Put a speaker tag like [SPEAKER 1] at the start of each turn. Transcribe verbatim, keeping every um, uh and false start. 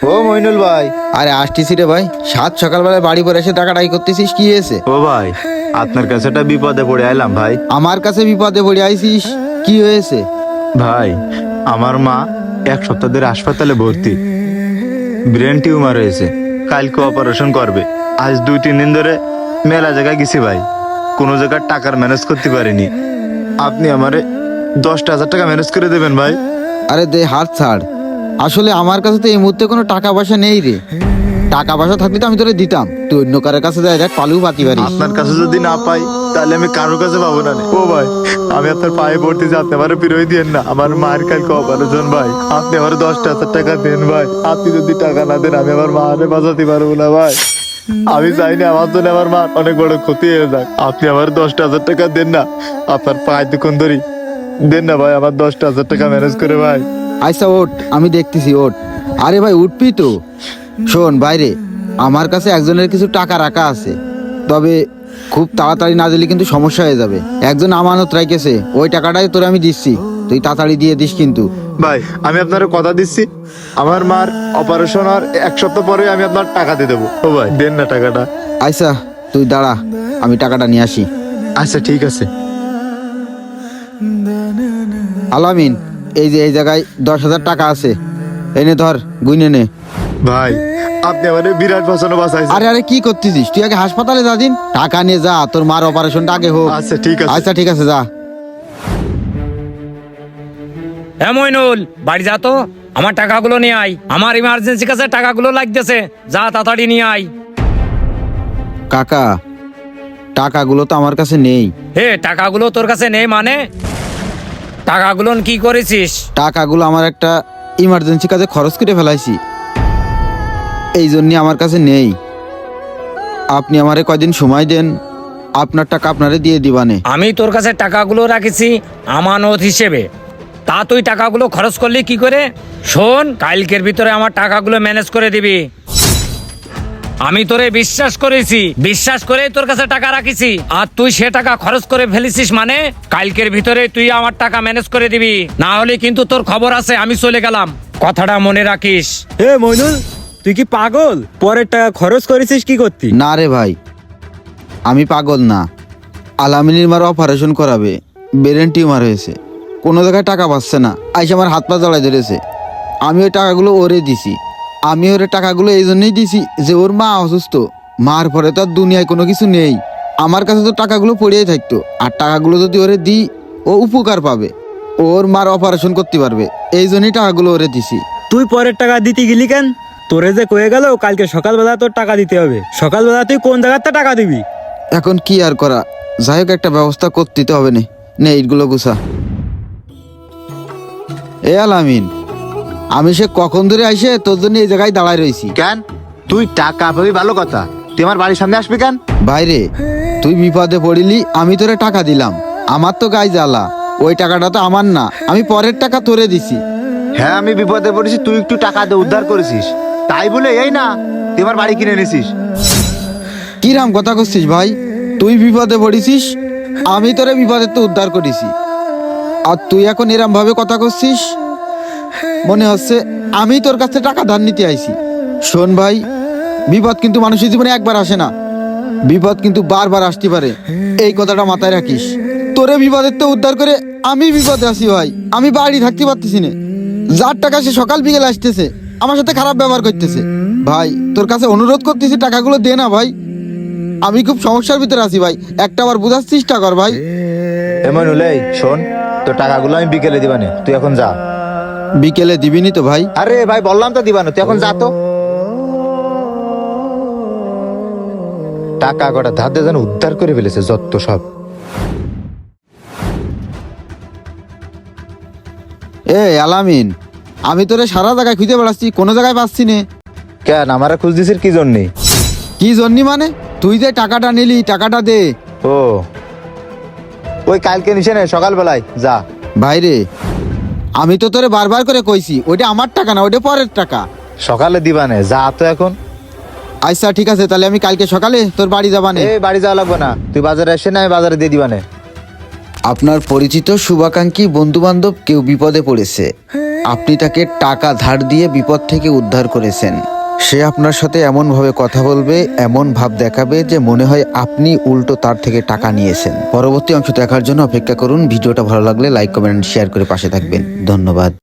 [SPEAKER 1] ও মইনুল ভাই,
[SPEAKER 2] আরে আসতেছি রে ভাই, সাত সকালবেলায় বাড়ি পরে এসে টাকাটাই করতেছিস, কি হয়েছে?
[SPEAKER 1] ও ভাই আপনার কাছে একটা বিপদে পড়ে আইলাম ভাই।
[SPEAKER 2] আমার কাছে বিপদে পড়ে আইছিস, কি হয়েছে?
[SPEAKER 1] ভাই আমার মা এক সপ্তাহ ধরে হাসপাতালে ভর্তি, ব্রেন টিউমার হয়েছে, কালকে অপারেশন করবে। আজ দুই তিন দিন ধরে মেলা জায়গায় গেছি ভাই, কোনো জায়গায় টাকার ম্যানেজ করতে পারিনি। আপনি আমারে দশটা হাজার টাকা ম্যানেজ করে দেবেন ভাই।
[SPEAKER 2] আরে দে হাত ছাড়, আসলে আমার কাছে তো এই মুহূর্তে কোনো টাকা পয়সা নেই রে। টাকা পয়সা থাকলে তো আমি তোরে দিতাম, তুই অন্য কারোর কাছে যাই দেখ, পালু পাতি পারিস।
[SPEAKER 1] আপনার কাছে যদি না পাই তাহলে আমি কারোর কাছে পাবো না। ও ভাই আমি আপনার পায়ে পড়তে যে আপনি আমার ফিরোই দিয়েন না, আমার মায়ের কালকে অপারেশন ভাই, আপনি আমার দশটা হাজার টাকা দেন ভাই। আপনি যদি টাকা না দেন আমি আমার মারে বাঁচাতে পারবো না ভাই। আমি চাইনি আমার জন্য আমার মা অনেক বড় ক্ষতি হয়ে যাক। আপনি আমার দশটা হাজার টাকা দেন না, আপনার পায়ে দুক্ষণ ধরি দেন না ভাই, আমার দশটা হাজার টাকা ম্যানেজ করে ভাই।
[SPEAKER 2] আচ্ছা ওঠ, আমি দেখতেছি, ওঠ। আরে ভাই উঠবি তো? শোন বাইরে, আমার কাছে একজনের কিছু টাকা রাখা আছে, তবে খুব তাড়াতাড়ি না দিলে কিন্তু সমস্যা হয়ে যাবে। একজন আমানত রাখেছে, ওই টাকাটাই তোরে আমি দিচ্ছি, তুই তাড়াতাড়ি দিয়ে দিস কিন্তু।
[SPEAKER 1] ভাই আমি আপনার কথা দিচ্ছি, আমার মার অপারেশন আর এক সপ্তাহ পরে আমি আপনার টাকা দিয়ে দেবো। ও ভাই দেন না টাকাটা।
[SPEAKER 2] আচ্ছা তুই দাঁড়া, আমি টাকাটা নিয়ে আসি।
[SPEAKER 1] আচ্ছা ঠিক আছে।
[SPEAKER 2] আলামিন, এই যে এই জায়গায় দশ হাজার টাকা আছে, এনে ধর, গুইনে নে।
[SPEAKER 1] ভাই আপনি আমার বিরাট পছন্দ বাঁচাইছেন।
[SPEAKER 2] আরে আরে কি করতেছিস তুই? আগে হাসপাতালে যা দিন, টাকা নিয়ে যা, তোর মার অপারেশনটা আগে হোক।
[SPEAKER 1] আচ্ছা ঠিক আছে।
[SPEAKER 2] আচ্ছা ঠিক আছে, যা।
[SPEAKER 3] হ্যাঁ মইনুল, বাড়ি যা তো, আমার টাকাগুলো নিয়ে আয়, আমার ইমার্জেন্সি কাছে টাকাগুলো লাগতেছে, যা তাড়াতাড়ি নিয়ে আয়।
[SPEAKER 2] কাকা, টাকাগুলো তো আমার কাছে নেই।
[SPEAKER 3] হে টাকাগুলো তোর কাছে নেই মানে? টাকাগুলো কি করেছিস?
[SPEAKER 2] টাকাগুলো আমার একটা ইমার্জেন্সি কাজে খরচ করে ফেলাইছি, এই জন্য আমার কাছে নেই। আপনি আমারে কয়দিন সময় দেন, আপনার টাকা আপনারে দিয়ে দিবানে।
[SPEAKER 3] আমি তোর কাছে টাকাগুলো রাখেছি আমানত হিসেবে, তা তুই টাকাগুলো খরচ করলি কি করে? শোন, কালকের ভিতরে আমার টাকাগুলো ম্যানেজ করে দিবি। আমি তোরে বিশ্বাস করেছি, বিশ্বাস করে তোর কাছে টাকা রাখিছি, আর তুই সে টাকা খরচ করে ফেলেছিস মানে? কালকের ভিতরে তুই আমার টাকা ম্যানেজ করে দিবি, না হলে কিন্তু তোর খবর আছে, আমি চলে গেলাম, কথাটা মনে রাখিস।
[SPEAKER 4] এ মইনুল, তুই কি পাগল? পরের টাকা খরচ করেছিস কি করতি?
[SPEAKER 2] না রে ভাই, আমি পাগল না। আলামিনীর মার অপারেশন করাবে, ব্রেন টিউমার হয়েছে, কোনো জায়গায় টাকা পাচ্ছে না, আইসে আমার হাত পা জড়াই ধরেছে। আমি ওই টাকাগুলো ওরে দিছি, আমি ওরে টাকাগুলো এই জন্যই দিছি যে ওর মা অসুস্থ, মার পরে তো আর দুনিয়ায় কোনো কিছু নেই। আমার কাছে তো টাকাগুলো পড়েই থাকতো, আর টাকাগুলো যদি ওরে দিই ও উপকার পাবে, ওর মার অপারেশন করতে পারবে, এই জন্যই টাকাগুলো ওরে দিছি।
[SPEAKER 4] তুই পরের টাকা দিতে গেলি কেন? তোরে যে কয়ে গেল কালকে সকালবেলা তোর টাকা দিতে হবে, সকালবেলা তুই কোন জায়গাতে টাকা দিবি?
[SPEAKER 2] এখন কি আর করা, যাই হোক একটা ব্যবস্থা করতে তো হবে। নে নে এইগুলো গুছা। এ আলামিন, আমি সে কখন ধরে আইসে তোর জন্য এই জায়গায় দাঁড়ায় রয়েছি।
[SPEAKER 1] কেন তুই টাকা পাবি ভালো কথা, তুই আমার বাড়ির সামনে আসবি কেন?
[SPEAKER 2] বাইরে তুই বিপদে পড়িলি, আমি তোরে টাকা দিলাম, আমার তো গায়ে জ্বালা, ওই টাকাটা তো আমার না, আমি পরের টাকা তোরে দিছি।
[SPEAKER 1] হ্যাঁ আমি বিপদে পড়েছি, তুই একটু টাকা দিয়ে উদ্ধার করেছিস, তাই বলে এই না তুই আমার বাড়ি কিনে নিছিস।
[SPEAKER 2] কিরাম কথা করছিস ভাই? তুই বিপদে পড়েছিস, আমি তোরে বিপদে তো উদ্ধার করেছি, আর তুই এখন এরম ভাবে কথা করছিস, মনে হচ্ছে আমি তোর কাছে টাকা ধার নিতে আইছি। শোন ভাই, বিপদ কিন্তু মানুষের জীবনে একবার আসে না, বিপদ কিন্তু বারবার আসতে পারে, এই কথাটা মাথায় রাখিস। তোরে বিপদের তো উদ্ধার করে আমি বিপদে আছি ভাই, আমি বাড়ি থাকতে পারতেছি না, যার টাকা সে সকাল বিকেল আসতেছে, আমার সাথে খারাপ ব্যবহার করতেছে। ভাই তোর কাছে অনুরোধ করতেছি, টাকাগুলো দে না ভাই, আমি খুব সমস্যার ভিতরে আছি ভাই, একটা বার বোঝার চেষ্টা কর ভাই।
[SPEAKER 1] এমন হলে শোন, তোর টাকাগুলো আমি বিকেলে দিবানে, তুই এখন যা।
[SPEAKER 2] বিকেলে দিবিনি তো ভাই?
[SPEAKER 1] আরে ভাই বললাম তো দিবানে, তুই এখন যা তো। টাকা কটা ধার দিয়ে যেন উদ্ধার করে ফেলেছে যত সব।
[SPEAKER 2] এ আলামিন, আমি তোরে সারা জায়গায় খুঁজে বেড়াচ্ছি, কোনো জায়গায় পাচ্ছি না।
[SPEAKER 1] কেন আমারা খুঁজ দিছিস কি জন্যে?
[SPEAKER 2] কি জন্যি মানে? তুই যে টাকাটা নিলি, টাকাটা দে।
[SPEAKER 1] ও ওই কালকে নিছে না সকালবেলায়, যা।
[SPEAKER 2] ভাইরে আমি তো তোরে বারবার করে কইছি, ওইটা আমার টাকা না, ওইটা পরের টাকা।
[SPEAKER 1] সকালে দিবানে, যা তো এখন।
[SPEAKER 2] আচ্ছা ঠিক আছে, তাহলে আমি কালকে সকালে তোর বাড়ি যাবানে।
[SPEAKER 1] এই বাড়ি যাওয়া লাগবে না, তুই বাজারে এসে না, আমি বাজারে দিয়ে দিবানে।
[SPEAKER 2] আপনার পরিচিত শুভাকাঙ্ক্ষী বন্ধু বান্ধব কেউ বিপদে পড়েছে, আপনি তাকে টাকা ধার দিয়ে বিপদ থেকে উদ্ধার করেছেন। সে আপনার সাথে এমন ভাবে কথা বলবে, এমন ভাব দেখাবে যে মনে হয় আপনি উল্টো তার থেকে টাকা নিয়েছেন। পরবর্তী অংশ দেখার জন্য অপেক্ষা করুন। ভিডিওটা ভালো লাগলে লাইক, কমেন্ট, শেয়ার করে পাশে থাকবেন। ধন্যবাদ।